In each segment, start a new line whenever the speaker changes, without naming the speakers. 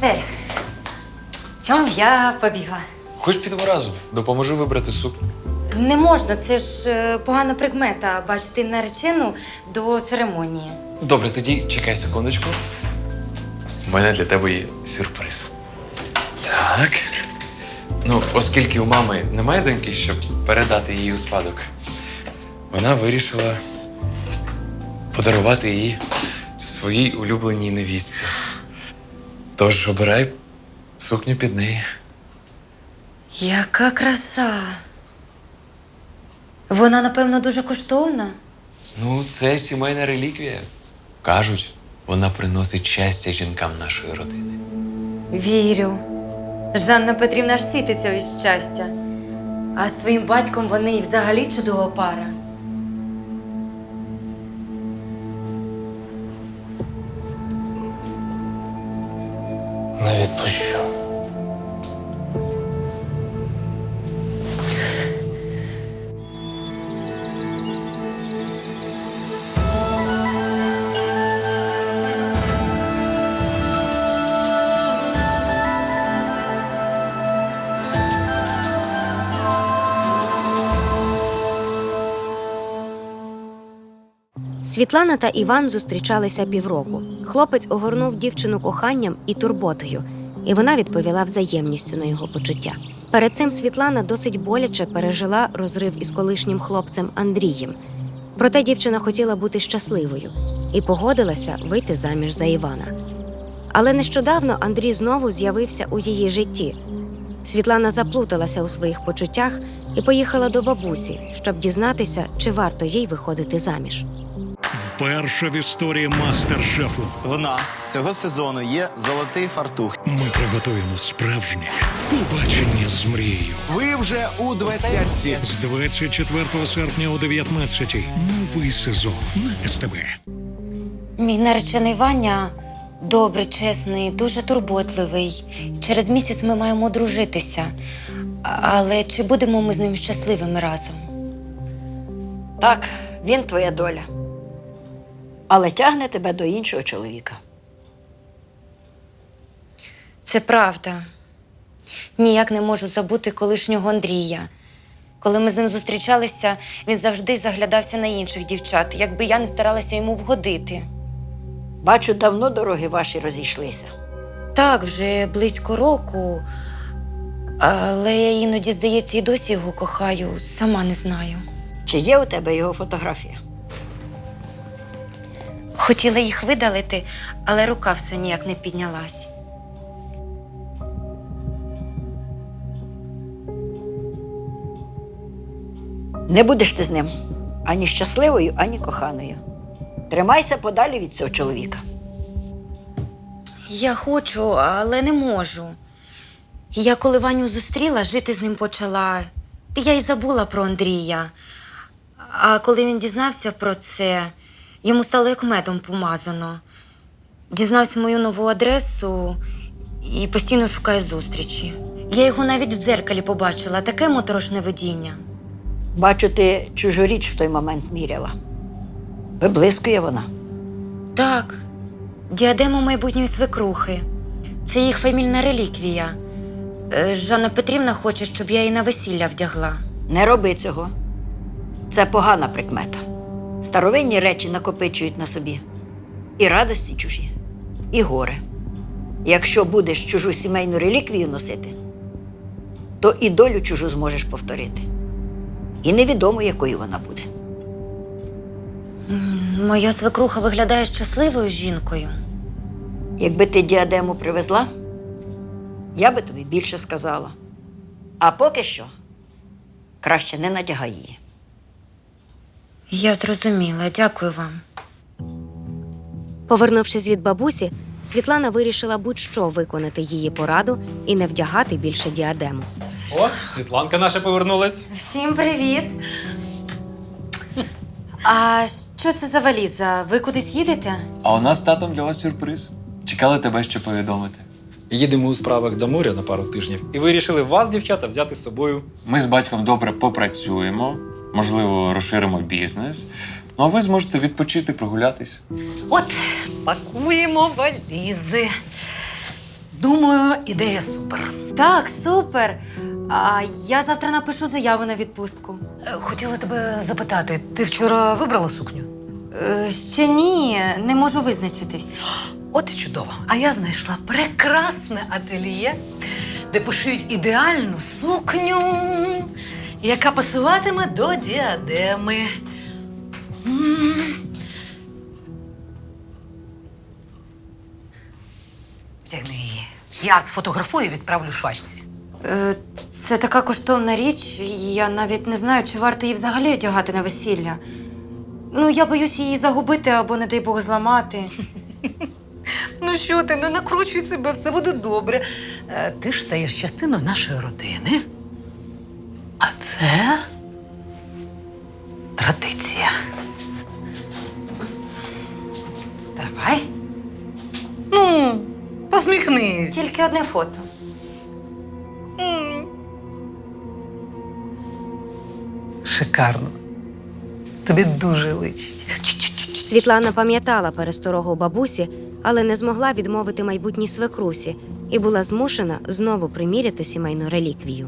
Все. Цьому я побігла.
Хоч підемо разом, допоможу вибрати сукню.
Не можна, це ж погана прикмета бачити наречену до церемонії.
Добре, тоді чекай секундочку. У мене для тебе є сюрприз. Так. Ну, оскільки у мами немає доньки, щоб передати її у спадок, вона вирішила подарувати її своїй улюбленій невістці. Тож обирай сукню під неї.
Яка краса! Вона, напевно, дуже коштовна.
Ну, це сімейна реліквія. Кажуть, вона приносить щастя жінкам нашої родини.
Вірю. Жанна Петрівна ж світиться від щастя. А з твоїм батьком вони і взагалі чудова пара.
Не відпущу.
Світлана та Іван зустрічалися півроку. Хлопець огорнув дівчину коханням і турботою, і вона відповіла взаємністю на його почуття. Перед цим Світлана досить боляче пережила розрив із колишнім хлопцем Андрієм. Проте дівчина хотіла бути щасливою і погодилася вийти заміж за Івана. Але нещодавно Андрій знову з'явився у її житті. Світлана заплуталася у своїх почуттях і поїхала до бабусі, щоб дізнатися, чи варто їй виходити заміж.
Вперше в історії мастер-шефу
В нас цього сезону є золотий фартух.
ми приготуємо справжнє побачення з мрією.
Ви вже у 20-ці.
З 24 серпня о 19-й. Новий сезон на СТБ.
Мій наречений Ваня добрий, чесний, дуже турботливий. Через місяць ми маємо одружитися. Але чи будемо ми з ним щасливими разом?
Так, він твоя доля. Але тягне тебе до іншого чоловіка.
Це правда. Ніяк не можу забути колишнього Андрія. Коли ми з ним зустрічалися, він завжди заглядався на інших дівчат, якби я не старалася йому вгодити.
Бачу, давно дороги ваші розійшлися.
Так, вже близько року. Але я іноді, здається, і досі його кохаю, сама не знаю.
Чи є у тебе його фотографія?
Хотіла їх видалити, але рука все ніяк не піднялась.
Не будеш ти з ним ані щасливою, ані коханою. Тримайся подалі від цього чоловіка.
Я хочу, але не можу. Я коли Ваню зустріла, жити з ним почала. Я й забула про Андрія. А коли він дізнався про це, йому стало як медом помазано. Дізнався мою нову адресу і постійно шукає зустрічі. Я його навіть в дзеркалі побачила, таке моторошне видіння.
Бачу, ти чужу річ в той момент міряла. Виблискує вона.
Так, діадема майбутньої свекрухи. Це їх фамільна реліквія. Жанна Петрівна хоче, щоб я її на весілля вдягла.
Не роби цього. Це погана прикмета. Старовинні речі накопичують на собі. І радості чужі, і горе. Якщо будеш чужу сімейну реліквію носити, то і долю чужу зможеш повторити. І невідомо, якою вона буде.
Моя свекруха виглядає щасливою жінкою.
Якби ти діадему привезла, я би тобі більше сказала. А поки що краще не надягай її.
Я зрозуміла, дякую вам.
Повернувшись від бабусі, Світлана вирішила будь-що виконати її пораду і не вдягати більше діадему.
О, Світланка наша повернулась.
Всім привіт! А що це за валіза? Ви кудись їдете?
А у нас з татом для вас сюрприз. Чекали тебе ще повідомити.
Їдемо у справах до моря на пару тижнів і вирішили вас, дівчата, взяти з собою.
Ми з батьком добре попрацюємо, можливо, розширимо бізнес. Ну, а ви зможете відпочити, прогулятись.
От, пакуємо валізи. Думаю, ідея супер.
Так, супер. А я завтра напишу заяву на відпустку.
Хотіла тебе запитати, ти вчора вибрала сукню?
Ще ні, не можу визначитись.
От і чудово. А я знайшла прекрасне ательє, де пошиють ідеальну сукню, яка пасуватиме до діадеми. Втягни її. Я сфотографую і відправлю швачці.
Це така коштовна річ, я навіть не знаю, чи варто її взагалі одягати на весілля. Ну, я боюсь її загубити або, не дай Бог, зламати.
Ну що ти, не накручуй себе, все буде добре. Ти ж стаєш частиною нашої родини. А це традиція. Давай. Ну, посміхнись.
Тільки одне фото.
Шикарно. Тобі дуже личить.
Світлана пам'ятала пересторогу бабусі, але не змогла відмовити майбутній свекрусі і була змушена знову приміряти сімейну реліквію.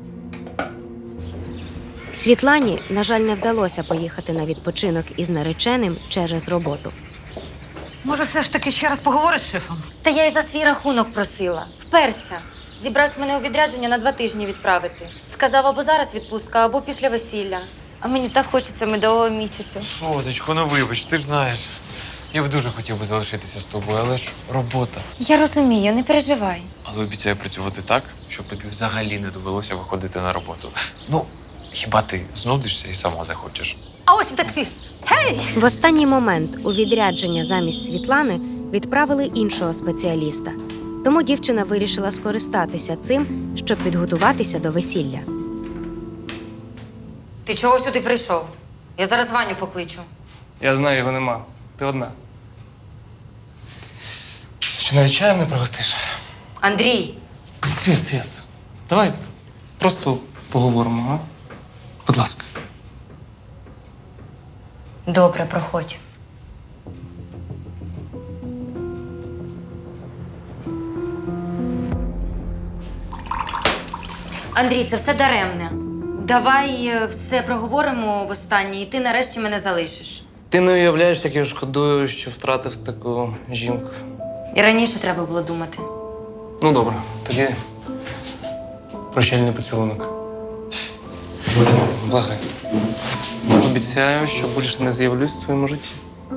Світлані, на жаль, не вдалося поїхати на відпочинок із нареченим через роботу.
Може, все ж таки ще раз поговориш з шефом?
Та я й за свій рахунок просила. Вперся. Зібрався мене у відрядження на 2 тижні відправити. Сказав, або зараз відпустка, або після весілля. А мені так хочеться медового місяця.
Сонечко, ну вибач, ти ж знаєш. Я б дуже хотів би залишитися з тобою, але ж робота.
Я розумію, не переживай.
Але обіцяю працювати так, щоб тобі взагалі не довелося виходити на роботу. Ну, хіба ти знудишся і сама захочеш?
А ось і таксі. Гей!
В останній момент у відрядження замість Світлани відправили іншого спеціаліста. Тому дівчина вирішила скористатися цим, щоб підготуватися до весілля.
Ти чого сюди прийшов? Я зараз Ваню покличу.
Я знаю, його нема. Ти одна. Чи навіть чаєм не пригостиш?
Андрій,
Світ. Давай просто поговоримо, а? Будь ласка.
добре, проходь. Андрій, це все даремне. Давай все проговоримо востаннє, і ти нарешті мене залишиш.
Ти не уявляєш, як я шкодую, що втратив таку жінку.
І раніше треба було думати.
Ну, добре, тоді прощальний поцілунок. Благай. Обіцяю, що більше не з'явлюсь в твоєму житті.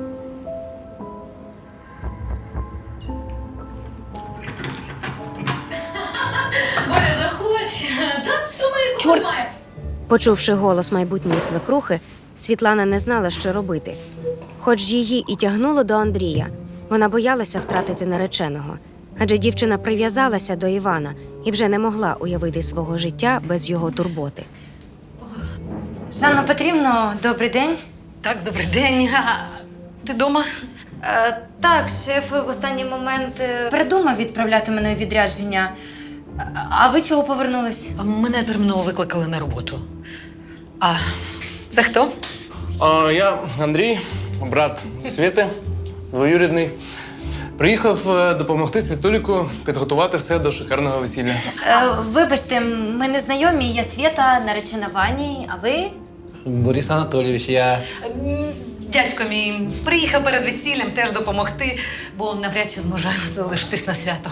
Почувши голос майбутньої свекрухи, Світлана не знала, що робити. Хоч її і тягнуло до Андрія, вона боялася втратити нареченого, адже дівчина прив'язалася до Івана і вже не могла уявити свого життя без його турботи.
Жанно Петрівно, добрий день.
Так, добрий день. Ти вдома?
Так, шеф в останній момент передумав відправляти мене у відрядження. А ви чого повернулись?
Мене терміново викликали на роботу. А це хто?
Я Андрій, брат Світи, двоюрідний. Приїхав допомогти Світуліку підготувати все до шикарного весілля.
Вибачте, ми не знайомі, я Свєта, наречена Вані, а ви?
Борис Анатолійович, я...
Дядько мій приїхав перед весіллям теж допомогти, бо навряд чи зможе залишитись на свято.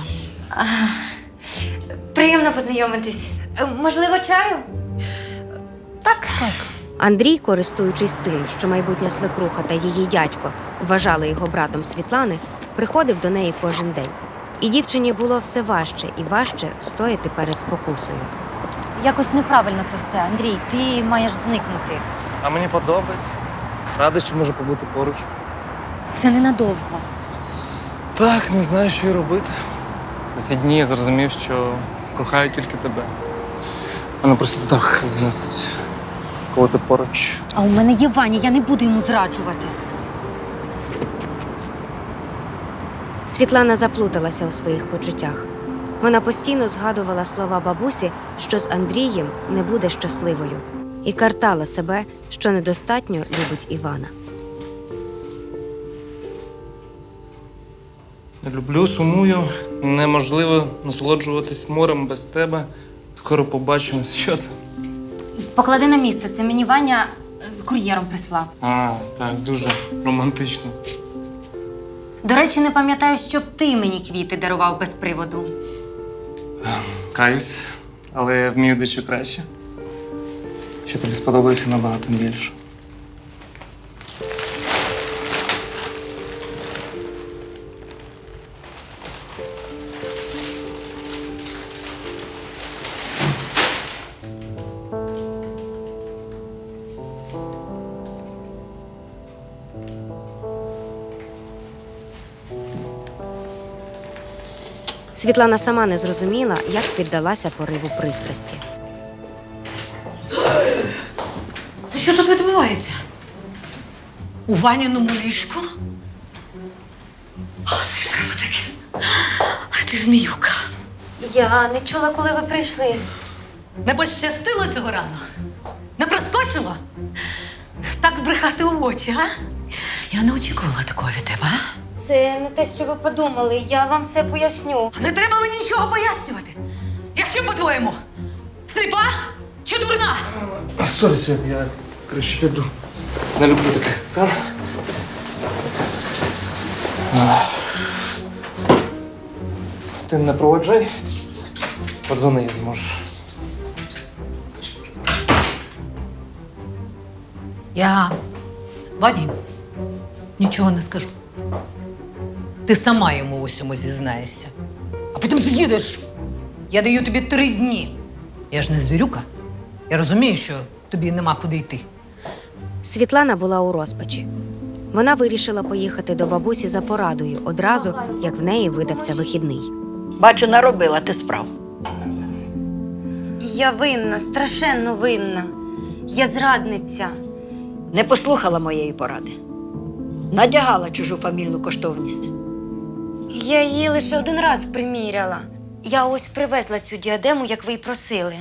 Приємно познайомитись. Можливо, чаю?
Так.
Андрій, користуючись тим, що майбутня свекруха та її дядько вважали його братом Світлани, приходив до неї кожен день. І дівчині було все важче і важче встояти перед спокусою.
Якось неправильно це все, Андрій. Ти маєш зникнути.
А мені подобається. Радий, що можу побути поруч.
Це ненадовго.
Так, не знаю, що й робити. За ці дні я зрозумів, що кохаю тільки тебе. Мене просто дах зносить, коли ти поруч.
А у мене є Ваня, я не буду йому зраджувати.
Світлана заплуталася у своїх почуттях. Вона постійно згадувала слова бабусі, що з Андрієм не буде щасливою, і картала себе, що недостатньо любить Івана.
Не люблю, сумую. Неможливо насолоджуватись морем без тебе. Скоро побачимось. Що це?
Поклади на місце, це мені Ваня кур'єром прислав.
А, так, дуже романтично.
До речі, не пам'ятаю, щоб ти мені квіти дарував без приводу.
Каюсь, але вмію дещо краще. Що тобі сподобається набагато більше.
Світлана сама не зрозуміла, як піддалася пориву пристрасті.
Це що тут відбувається? У Ваніному ліжку? О, це ж треба таке. А ти ж зміюка.
Я не чула, коли ви прийшли.
Не пощастило цього разу? Не проскочило? Так збрехати у очі, а? Я не очікувала такого від тебе, а?
Це не те, що ви подумали. Я вам все поясню.
Не треба мені нічого пояснювати. Я що, по-твоєму? Сліпа чи дурна?
Сорі, Свят, я краще піду. Не люблю таких сцен. Ти не проводжай. Подзвони, як зможеш.
Я Вані нічого не скажу. Ти сама йому в усьому зізнаєшся. А потім з'їдеш. Я даю тобі 3 дні. Я ж не звірюка. Я розумію, що тобі нема куди йти.
Світлана була у розпачі. Вона вирішила поїхати до бабусі за порадою одразу, як в неї видався вихідний.
Бачу, наробила ти справ.
Я винна, страшенно винна. Я зрадниця.
Не послухала моєї поради. Надягала чужу фамільну коштовність.
Я її лише один раз приміряла. Я ось привезла цю діадему, як ви й просили.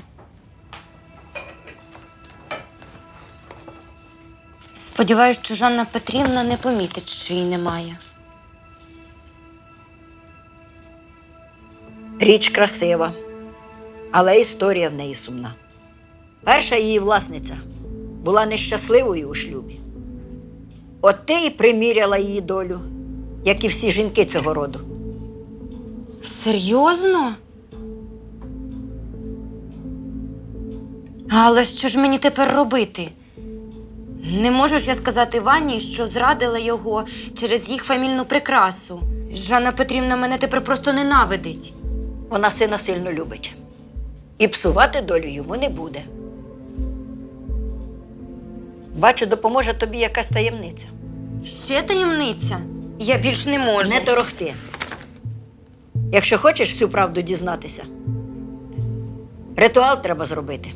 Сподіваюсь, що Жанна Петрівна не помітить, що її немає.
Річ красива, але історія в неї сумна. Перша її власниця була нещасливою у шлюбі. От ти і приміряла її долю, як і всі жінки цього роду.
Серйозно? Але що ж мені тепер робити? Не можу ж я сказати Вані, що зрадила його через їх фамільну прикрасу. Жанна Петрівна мене тепер просто ненавидить.
Вона сина сильно любить. І псувати долю йому не буде. Бачу, допоможе тобі якась таємниця.
Ще таємниця? Я більш не можу.
Не торохти. Якщо хочеш всю правду дізнатися, ритуал треба зробити.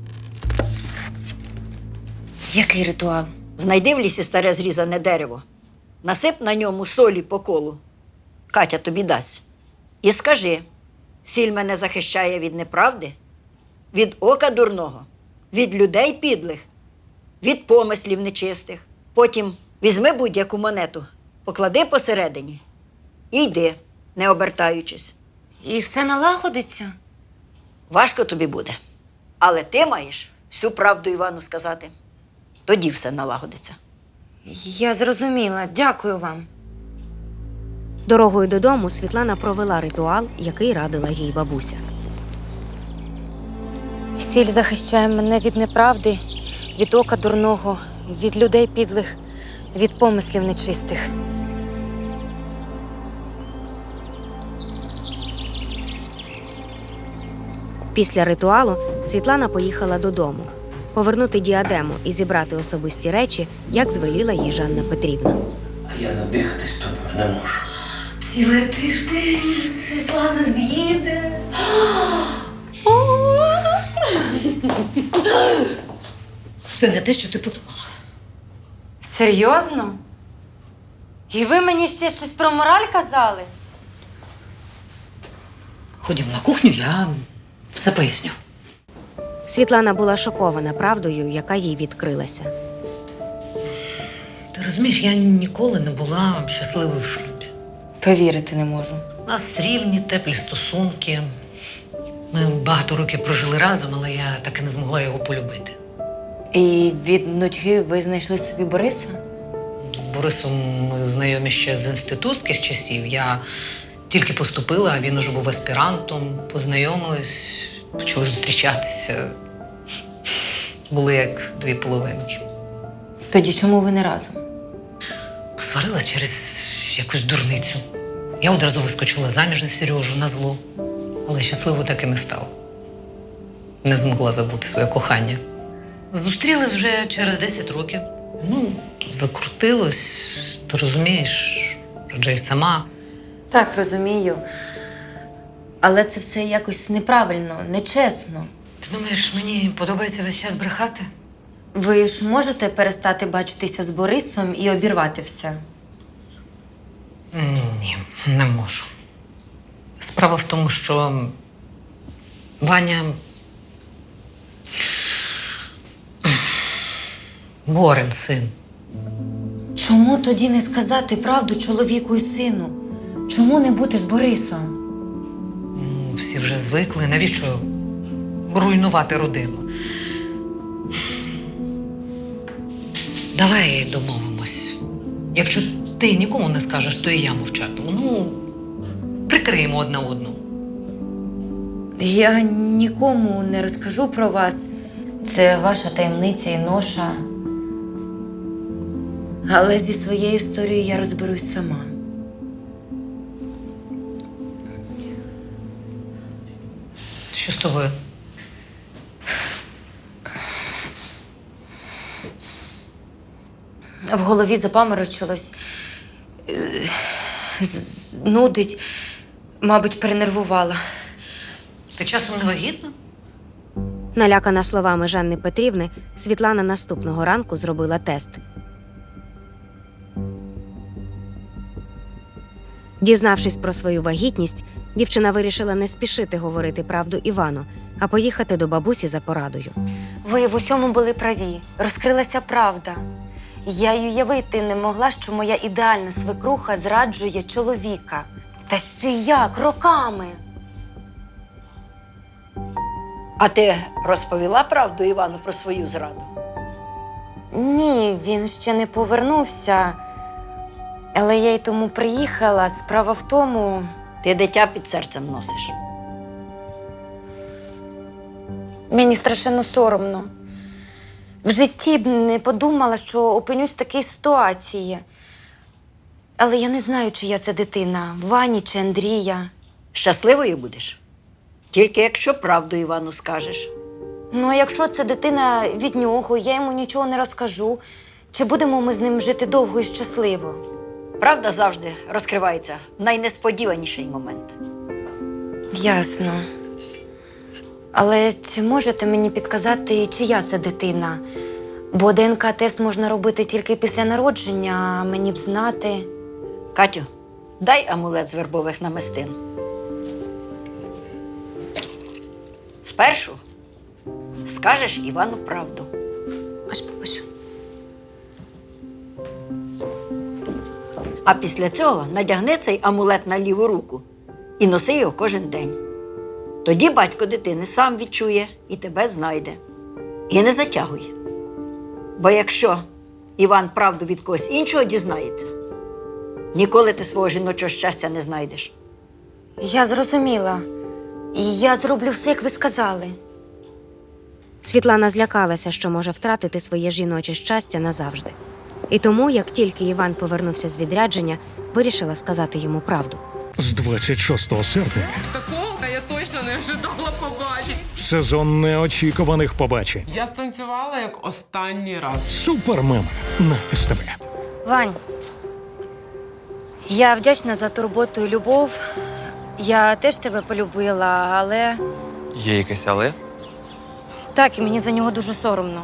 Який ритуал?
Знайди в лісі старе зрізане дерево, насип на ньому солі по колу. Катя тобі дасть. І скажи, сіль мене захищає від неправди, від ока дурного, від людей підлих, від помислів нечистих. Потім візьми будь-яку монету, поклади посередині і йди, не обертаючись.
І все налагодиться?
Важко тобі буде, але ти маєш всю правду Івану сказати. Тоді все налагодиться.
Я зрозуміла. Дякую вам.
Дорогою додому Світлана провела ритуал, який радила їй бабуся.
Сіль захищає мене від неправди, від ока дурного, від людей підлих, від помислів нечистих.
Після ритуалу Світлана поїхала додому, повернути діадему і зібрати особисті речі, як звеліла їй Жанна Петрівна.
А я надихатись тобою не можу.
Цілий тиждень Світлана з'їде. Це не те, що ти подумала.
Серйозно? І ви мені ще щось про мораль казали?
Ходім на кухню, я все поясню.
Світлана була шокована правдою, яка їй відкрилася.
Ти розумієш, я ніколи не була щасливою в шлюбі.
Повірити не можу.
У нас рівні, теплі стосунки. Ми багато років прожили разом, але я так і не змогла його полюбити.
І від нудьги ви знайшли собі Бориса?
З Борисом ми знайомі ще з інститутських часів. Я тільки поступила, а він уже був аспірантом. Познайомились, почали зустрічатися. Були як дві половинки.
Тоді чому ви не разом?
Посварилась через якусь дурницю. Я одразу вискочила заміж за Сережу на зло. Але щасливо так і не стала. Не змогла забути своє кохання. Зустрілись вже через 10 років. Ну, закрутилось, ти розумієш, адже й сама.
Так, розумію. Але це все якось неправильно, нечесно.
Ти думаєш, мені подобається весь час брехати?
Ви ж можете перестати бачитися з Борисом і обірвати все?
Ні, не можу. Справа в тому, що Ваня Борин син.
Чому тоді не сказати правду чоловіку і сину? Чому не бути з Борисом?
Всі вже звикли. Навіщо руйнувати родину? Давай домовимось. Якщо ти нікому не скажеш, то і я мовчатиму. Ну, прикриємо одна одну.
Я нікому не розкажу про вас. Це ваша таємниця і ноша. Але зі своєю історією я розберусь сама.
Що з тобою?
В голові запаморочилось. Нудить. Мабуть, перенервувала.
Ти часом не вагітна?
Налякана словами Жанни Петрівни, Світлана наступного ранку зробила тест. Дізнавшись про свою вагітність, дівчина вирішила не спішити говорити правду Івану, а поїхати до бабусі за порадою.
Ви в усьому були праві. Розкрилася правда. Я й уявити не могла, що моя ідеальна свекруха зраджує чоловіка. Та ще як? Роками.
А ти розповіла правду Івану про свою зраду?
Ні, він ще не повернувся. Але я й тому приїхала. Справа в тому...
Ти дитя під серцем носиш.
Мені страшенно соромно. В житті б не подумала, що опинюсь в такій ситуації. Але я не знаю, чия це дитина, Вані чи Андрія.
Щасливою будеш? Тільки якщо правду Івану скажеш.
Ну, а якщо це дитина від нього, я йому нічого не розкажу. Чи будемо ми з ним жити довго і щасливо?
Правда завжди розкривається в найнесподіваніший момент.
Ясно. Але чи можете мені підказати, чия це дитина? Бо ДНК-тест можна робити тільки після народження, а мені б знати.
Катю, дай амулет з вербових намистин. Спершу скажеш Івану правду.
Ось бабусю.
А після цього надягни цей амулет на ліву руку і носи його кожен день. Тоді батько дитини сам відчує і тебе знайде. І не затягуй. Бо якщо Іван правду від когось іншого дізнається, ніколи ти свого жіночого щастя не знайдеш.
Я зрозуміла. І я зроблю все, як ви сказали.
Світлана злякалася, що може втратити своє жіноче щастя назавжди. І тому, як тільки Іван повернувся з відрядження, вирішила сказати йому правду.
З 26 серпня
Такого я точно не ожидала побачити.
сезон неочікуваних побачень.
Я станцювала як останній раз.
Супермеми на СТБ.
Вань, я вдячна за турботу і любов. Я теж тебе полюбила, але...
Є якесь але?
Так, і мені за нього дуже соромно.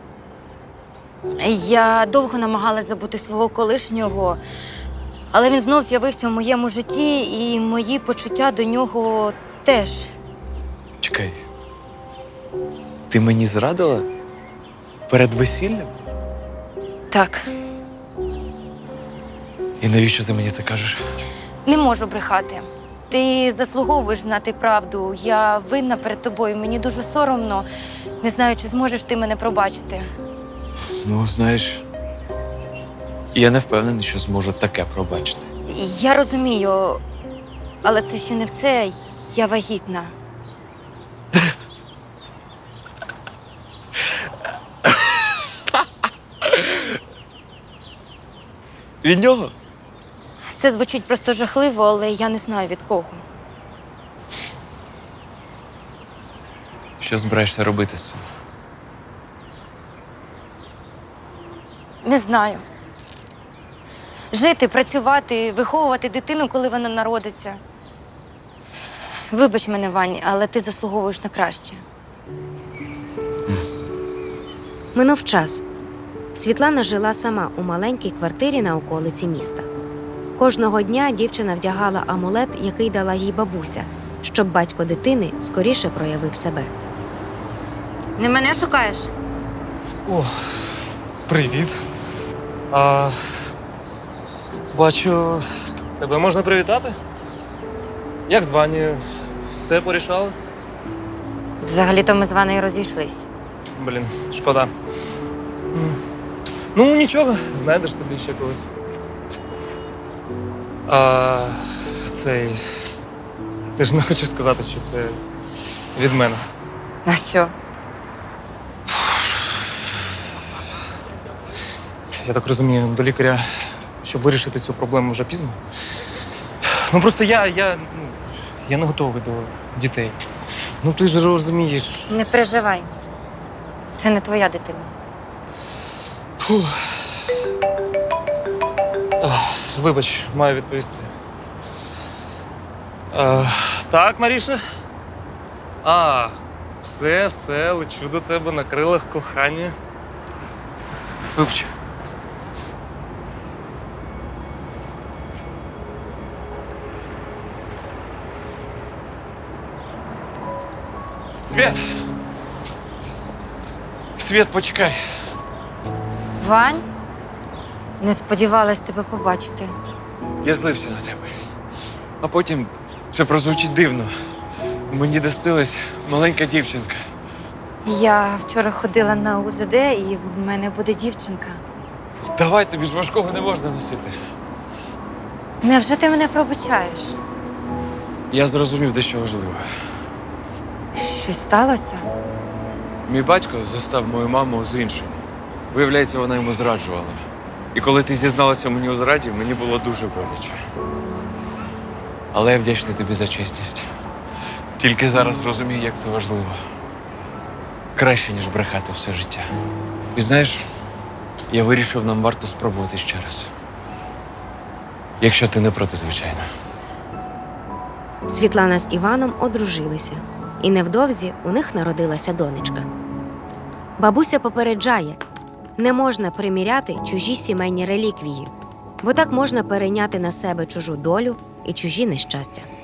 Я довго намагалась забути свого колишнього, але він знов з'явився в моєму житті, і мої почуття до нього теж.
Чекай. Ти мені зрадила? Перед весіллям?
Так.
І навіщо ти мені це кажеш?
Не можу брехати. Ти заслуговуєш знати правду. Я винна перед тобою. Мені дуже соромно. Не знаю, чи зможеш ти мене пробачити.
Ну, знаєш, я не впевнений, що зможу таке пробачити.
Я розумію, але це ще не все. Я вагітна.
Від нього?
Це звучить просто жахливо, але я не знаю від кого.
Що збираєшся робити з цим?
Не знаю. Жити, працювати, виховувати дитину, коли вона народиться. Вибач мене, Вань, але ти заслуговуєш на краще.
Минув час. Світлана жила сама у маленькій квартирі на околиці міста. Кожного дня дівчина вдягала амулет, який дала їй бабуся, щоб батько дитини скоріше проявив себе.
Не мене шукаєш?
О, привіт. Бачу, тебе можна привітати? Як з Ванею? Все порішали?
Взагалі-то ми з Ванею розійшлись.
Блін, шкода. Ну, нічого, знайдеш собі ще когось. Ти ж не хочеш сказати, що це від мене.
А що?
Я так розумію, до лікаря, щоб вирішити цю проблему вже пізно. Ну просто я не готовий до дітей. Ну ти ж розумієш.
Не переживай. Це не твоя дитина.
Фу. Вибач, маю відповісти. Так, Маріша? Все, лечу до тебе на крилах кохання.
Вибач. Свят! Свят, почекай.
Вань? Не сподівалась тебе побачити.
Я злився на тебе. А потім це прозвучить дивно. Мені достилась маленька дівчинка.
Я вчора ходила на УЗД, і в мене буде дівчинка.
Давай, тобі ж важкого не можна носити.
Невже ти мене пробачаєш?
Я зрозумів дещо важливе.
Щось сталося?
Мій батько застав мою маму з іншим. Виявляється, вона йому зраджувала. І коли ти зізналася мені у зраді, мені було дуже боляче. Але я вдячний тобі за чесність. Тільки зараз розумію, як це важливо. Краще, ніж брехати все життя. І знаєш, я вирішив, нам варто спробувати ще раз. Якщо ти не проти, звичайно.
Світлана з Іваном одружилися, і невдовзі у них народилася донечка. Бабуся попереджає, не можна приміряти чужі сімейні реліквії, бо так можна перейняти на себе чужу долю і чужі нещастя.